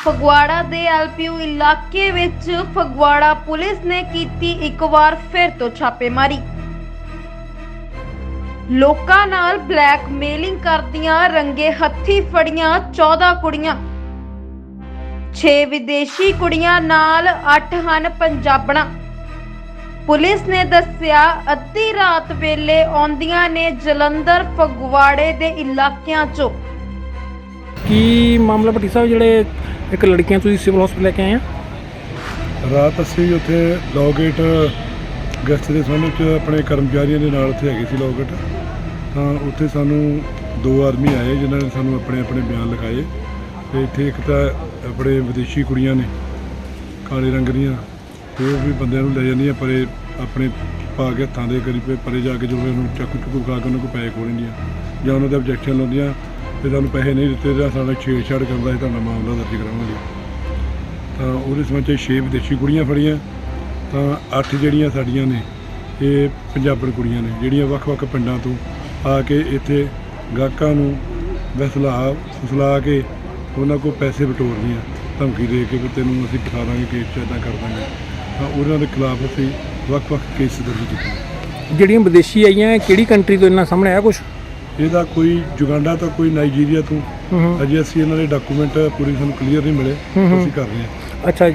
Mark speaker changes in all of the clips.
Speaker 1: ਫਗਵਾੜਾ ਦੇ ਐਲਪੀਯੂ ਇਲਾਕੇ ਵਿੱਚ ਫਗਵਾੜਾ ਪੁਲਿਸ ਨੇ ਕੀਤੀ ਇੱਕ ਵਾਰ ਫਿਰ ਤੋਂ ਛਾਪੇਮਾਰੀ। ਲੋਕਾਂ ਨਾਲ ਬਲੈਕਮੇਲਿੰਗ ਕਰਦੀਆਂ ਰੰਗੇ ਹੱਥੀ ਫੜੀਆਂ 14 ਕੁੜੀਆਂ, 6 ਵਿਦੇਸ਼ੀ ਕੁੜੀਆਂ ਨਾਲ 8 ਹਨ ਪੰਜਾਬਣਾਂ। ਪੁਲਿਸ ਨੇ ਦੱਸਿਆ ਅੱਧੀ ਰਾਤ ਵੇਲੇ ਆਉਂਦੀਆਂ ਨੇ ਜਲੰਧਰ ਫਗਵਾੜੇ ਦੇ ਇਲਾਕਿਆਂ 'ਚੋਂ।
Speaker 2: ਕੀ ਮਾਮਲਾ ਭੱਟੀ ਸਾਹਿਬ, ਜਿਹੜੇ ਇੱਕ ਲੜਕੀਆਂ ਤੁਸੀਂ ਸਿਵਲ ਹਸਪਤਾਲ ਲੈ ਕੇ ਆਏ ਆ?
Speaker 3: ਰਾਤ ਅਸੀਂ ਉੱਥੇ ਲੋਗੇਟ ਗੈਸਟ ਦੇ ਸਾਹਮਣੇ 'ਚ ਆਪਣੇ ਕਰਮਚਾਰੀਆਂ ਦੇ ਨਾਲ ਉੱਥੇ ਹੈਗੇ ਸੀ ਲੋਗੇਟ, ਤਾਂ ਉੱਥੇ ਸਾਨੂੰ 2 ਆਦਮੀ ਆਏ ਜਿਨ੍ਹਾਂ ਨੇ ਸਾਨੂੰ ਆਪਣੇ ਬਿਆਨ ਲਿਖਾਏ। ਅਤੇ ਇੱਥੇ ਇੱਕ ਤਾਂ ਆਪਣੇ ਵਿਦੇਸ਼ੀ ਕੁੜੀਆਂ ਨੇ ਕਾਲੇ ਰੰਗ ਦੀਆਂ, ਉਹ ਵੀ ਬੰਦਿਆਂ ਨੂੰ ਲੈ ਜਾਂਦੀਆਂ ਪਰੇ ਆਪਣੇ ਪਾ ਕੇ ਹੱਥਾਂ ਦੇ ਕਰੀਬ ਪਰੇ ਜਾ ਕੇ, ਜਦੋਂ ਉਹਨੂੰ ਚਾਕੂ ਚੁੱਕੂ ਖਾ ਕੇ ਉਹਨਾਂ ਕੋਲ ਪੈਸੇ ਖੋਹ ਲੈਂਦੀਆਂ ਜਾਂ ਉਹਨਾਂ ਦੇ ਆਬਜੈਕਸ਼ਨ ਲਾਉਂਦੀਆਂ ਤੇ ਤੁਹਾਨੂੰ ਪੈਸੇ ਨਹੀਂ ਦਿੱਤੇ ਤਾਂ ਸਾਡਾ ਛੇੜਛਾੜ ਕਰਦਾ ਸੀ, ਤੁਹਾਡਾ ਮਾਮਲਾ ਦਰਜ ਕਰਾਵਾਂਗੇ। ਤਾਂ ਉਹਦੇ ਸੰਬੰਧ 'ਚ 6 ਵਿਦੇਸ਼ੀ ਕੁੜੀਆਂ ਫੜੀਆਂ, ਤਾਂ 8 ਜਿਹੜੀਆਂ ਸਾਡੀਆਂ ਨੇ ਇਹ ਪੰਜਾਬਣ ਕੁੜੀਆਂ ਨੇ, ਜਿਹੜੀਆਂ ਵੱਖ-ਵੱਖ ਪਿੰਡਾਂ ਤੋਂ ਆ ਕੇ ਇੱਥੇ ਗਾਹਕਾਂ ਨੂੰ ਫੁਸਲਾ ਕੇ ਉਹਨਾਂ ਕੋਲ ਪੈਸੇ ਬਟੋਰਦੀਆਂ, ਧਮਕੀ ਦੇ ਕੇ ਵੀ ਤੈਨੂੰ ਅਸੀਂ ਫਸਾ ਦਾਂਗੇ, ਕੇਸ 'ਚ ਇੱਦਾਂ ਕਰ ਦਾਂਗੇ। ਤਾਂ ਉਹਨਾਂ ਦੇ ਖਿਲਾਫ ਅਸੀਂ ਵੱਖ-ਵੱਖ ਕੇਸ ਦਰਜ ਕੀਤੇ।
Speaker 2: ਜਿਹੜੀਆਂ ਵਿਦੇਸ਼ੀ ਆਈਆਂ ਕਿਹੜੀ ਕੰਟਰੀ ਤੋਂ ਇਹਨਾਂ ਸਾਹਮਣੇ ਆਇਆ ਕੁਛ?
Speaker 3: ਇਹਦਾ ਕੋਈ ਜੁਗਾਂਡਾ ਤੋਂ, ਕੋਈ ਨਾਈਜੀਰੀਆ ਤੋਂ। ਅਜੇ ਅਸੀਂ ਇਹਨਾਂ ਦੇ ਡਾਕੂਮੈਂਟ ਪੂਰੀ ਸਾਨੂੰ ਕਲੀਅਰ ਨਹੀਂ ਮਿਲੇ, ਅਸੀਂ ਕਰ ਰਹੇ ਹਾਂ।
Speaker 2: ਅੱਛਾ,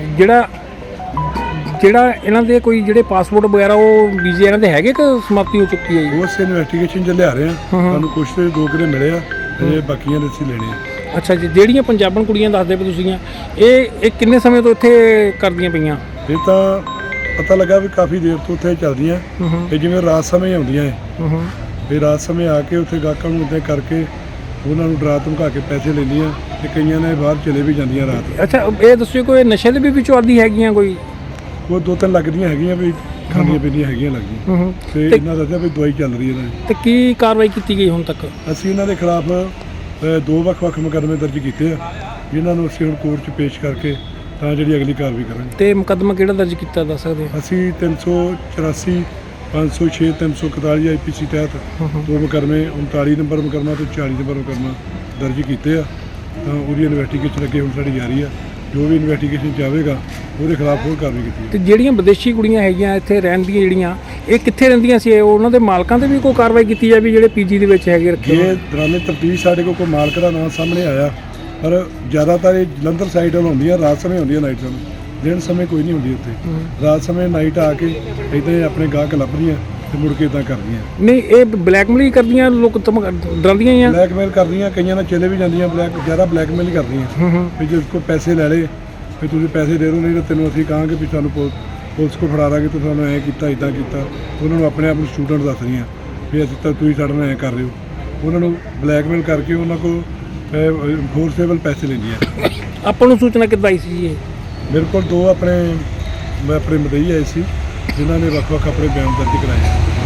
Speaker 2: ਜਿਹੜਾ ਇਹਨਾਂ ਦੇ ਕੋਈ ਜਿਹੜੇ ਪਾਸਪੋਰਟ ਵਗੈਰਾ ਉਹ ਵੀਜ਼ੇ ਇਹਨਾਂ ਦੇ ਹੈਗੇ ਕਿ ਸਮਾਪਤੀ ਹੋ ਚੁੱਕੀ ਹੈ ਜੀ?
Speaker 3: ਉਹ ਅਸੀਂ ਇਨਵੈਸਟੀਗੇਸ਼ਨ 'ਚ ਲਿਆ ਰਹੇ ਹਾਂ, ਸਾਨੂੰ ਕੁਛ ਤੇ 2 ਕਿਲੇ ਮਿਲੇ ਆ, ਅਜੇ ਬਾਕੀਆਂ ਦੇ ਅਸੀਂ ਲੈਣੇ ਆ।
Speaker 2: ਅੱਛਾ ਜੀ, ਜਿਹੜੀਆਂ ਪੰਜਾਬਣ ਕੁੜੀਆਂ ਦੱਸਦੇ ਪਏ ਤੁਸੀਂ, ਇਹ ਕਿੰਨੇ ਸਮੇਂ ਤੋਂ ਇੱਥੇ ਕਰਦੀਆਂ ਪਈਆਂ?
Speaker 3: ਇਹ ਤਾਂ ਪਤਾ ਲੱਗਾ ਵੀ ਕਾਫੀ ਦੇਰ ਤੋਂ ਉੱਥੇ ਚੱਲਦੀਆਂ, ਇਹ ਜਿਵੇਂ ਰਾਤ ਸਮੇਂ ਆਉਂਦੀਆਂ ਹੈ, ਇਹ ਰਾਤ ਸਮੇਂ ਆ ਕੇ ਉੱਥੇ ਗਾਹਕਾਂ ਨੂੰ ਉੱਤੇ ਕਰਕੇ ਉਹਨਾਂ ਨੂੰ ਡਰਾ ਧਮਕਾ ਕੇ ਪੈਸੇ ਲੈਂਦੀਆਂ, ਤੇ ਕਈਆਂ ਨੇ ਬਾਹਰ ਚਲੇ ਵੀ ਜਾਂਦੀਆਂ ਰਾਤ।
Speaker 2: ਅੱਛਾ, ਇਹ ਦੱਸਿਓ ਕੋਈ ਨਸ਼ੇ ਦੇ ਵੀ ਵਿੱਚੋਂ ਆਦੀ ਹੈਗੀਆਂ ਕੋਈ?
Speaker 3: ਉਹ 2-3 ਲੱਗਦੀਆਂ ਹੈਗੀਆਂ ਵੀ ਖਾਂਦੀਆਂ ਪੀਂਦੀਆਂ ਹੈਗੀਆਂ ਲੱਗਦੀਆਂ, ਤੇ ਇਹਨਾਂ ਦੱਸਿਆ ਵੀ ਦਵਾਈ ਚੱਲ ਰਹੀ ਇਹਨਾਂ ਦੀ।
Speaker 2: ਤੇ ਕੀ ਕਾਰਵਾਈ ਕੀਤੀ ਗਈ ਹੁਣ ਤੱਕ?
Speaker 3: ਅਸੀਂ ਇਹਨਾਂ ਦੇ ਖਿਲਾਫ 2 ਵੱਖ-ਵੱਖ ਮੁਕੱਦਮੇ ਦਰਜ ਕੀਤੇ ਆ, ਜਿਨ੍ਹਾਂ ਨੂੰ ਅਸੀਂ ਹੁਣ ਕੋਰਟ 'ਚ ਪੇਸ਼ ਕਰਕੇ ਤਾਂ ਜਿਹੜੀ ਅਗਲੀ ਕਾਰਵਾਈ ਕਰਾਂਗੇ।
Speaker 2: ਤੇ ਮੁਕੱਦਮਾ ਕਿਹੜਾ ਦਰਜ ਕੀਤਾ ਦੱਸ ਸਕਦੇ ਹੋ?
Speaker 3: ਅਸੀਂ 384, 506, 341 IPC ਤਹਿਤ 2 ਮੁਕੱਦਮੇ, 39 ਨੰਬਰ ਮੁਕੱਦਮਾ ਤੇ 40 ਨੰਬਰ ਮੁਕੱਦਮਾ ਦਰਜ ਕੀਤੇ ਆ। ਤਾਂ ਉਹਦੀ ਇਨਵੈਸਟੀਗੇਸ਼ਨ ਅੱਗੇ ਹੁਣ ਸਾਡੀ ਜਾਰੀ ਆ, ਜੋ ਵੀ ਇਨਵੈਸਟੀਗੇਸ਼ਨ ਚਾਹੇਗਾ ਉਹਦੇ ਖਿਲਾਫ ਹੋਰ ਕਾਰਵਾਈ ਕੀਤੀ।
Speaker 2: ਤੇ ਜਿਹੜੀਆਂ ਵਿਦੇਸ਼ੀ ਕੁੜੀਆਂ ਹੈਗੀਆਂ ਇੱਥੇ ਰਹਿੰਦੀਆਂ, ਜਿਹੜੀਆਂ ਇਹ ਕਿੱਥੇ ਰਹਿੰਦੀਆਂ ਸੀ? ਉਹਨਾਂ ਦੇ ਮਾਲਕਾਂ ਤੇ ਵੀ ਕੋਈ ਕਾਰਵਾਈ ਕੀਤੀ ਜਾਵੇ ਜਿਹੜੇ ਪੀਜੀ ਦੇ ਵਿੱਚ ਹੈਗੇ ਰੱਖੇ?
Speaker 3: ਇਹ ਦੌਰਾਨੇ ਤਫਤੀਸ਼ ਸਾਡੇ ਕੋਲ ਕੋਈ ਮਾਲਕ ਦਾ ਨਾਮ ਸਾਹਮਣੇ ਆਇਆ, ਪਰ ਜ਼ਿਆਦਾਤਰ ਇਹ ਜਲੰਧਰ ਸਾਈਡ ਵੱਲ ਹੁੰਦੀਆਂ, ਰਾਤ ਸਮੇਂ ਹੁੰਦੀਆਂ, ਨਾਈਟ ਸਮੇਂ। ਦਿਨ ਸਮੇਂ ਕੋਈ ਨਹੀਂ ਹੁੰਦੀ ਉੱਥੇ, ਰਾਤ ਸਮੇਂ ਨਾਈਟ ਆ ਕੇ ਇੱਦਾਂ ਹੀ ਆਪਣੇ ਗਾਹਕ ਲੱਭਦੀਆਂ ਤੇ ਮੁੜ ਕੇ ਇੱਦਾਂ ਕਰਦੀਆਂ।
Speaker 2: ਨਹੀਂ, ਇਹ ਬਲੈਕਮੇਲ ਕਰਦੀਆਂ, ਲੋਕ ਡਰਦੀਆਂ ਜਾਂ
Speaker 3: ਬਲੈਕਮੇਲ ਕਰਦੀਆਂ, ਕਈਆਂ ਨਾਲ ਚਲੇ ਵੀ ਜਾਂਦੀਆਂ, ਜ਼ਿਆਦਾ ਬਲੈਕਮੇਲ ਹੀ ਕਰਦੀਆਂ ਵੀ ਜੇ ਉਸ ਕੋਲ ਪੈਸੇ ਲੈ ਲਏ ਵੀ ਤੁਸੀਂ ਪੈਸੇ ਦੇ ਦਿਓ, ਨਹੀਂ ਤਾਂ ਤੈਨੂੰ ਅਸੀਂ ਕਹਾਂਗੇ ਵੀ ਸਾਨੂੰ ਪੁਲਿਸ ਕੋਲ ਫੜਾ ਦਾਂਗੇ, ਤੂੰ ਸਾਨੂੰ ਐਂ ਕੀਤਾ, ਇੱਦਾਂ ਕੀਤਾ। ਉਹਨਾਂ ਨੂੰ ਆਪਣੇ ਆਪ ਨੂੰ ਸਟੂਡੈਂਟ ਦੱਸ ਰਹੀਆਂ ਵੀ ਅਸੀਂ ਤਾਂ ਤੁਸੀਂ ਸਾਡੇ ਨਾਲ ਐਂ ਕਰ ਰਹੇ ਹੋ। ਉਹਨਾਂ ਨੂੰ ਬਲੈਕਮੇਲ ਕਰਕੇ ਉਹਨਾਂ ਕੋਲ ਫੋਰਸੇਬਲ ਪੈਸੇ ਲੈਂਦੀਆਂ।
Speaker 2: ਆਪਾਂ ਨੂੰ ਸੂਚਨਾ ਕਿੱਦਾਂ ਆਈ ਸੀ ਜੀ?
Speaker 3: ਮੇਰੇ ਕੋਲ 2 ਆਪਣੇ ਮਦਈ ਆਏ ਸੀ, ਜਿਨ੍ਹਾਂ ਨੇ ਵੱਖ-ਵੱਖ ਆਪਣੇ ਬਿਆਨ ਦਰਜ ਕਰਾਏ।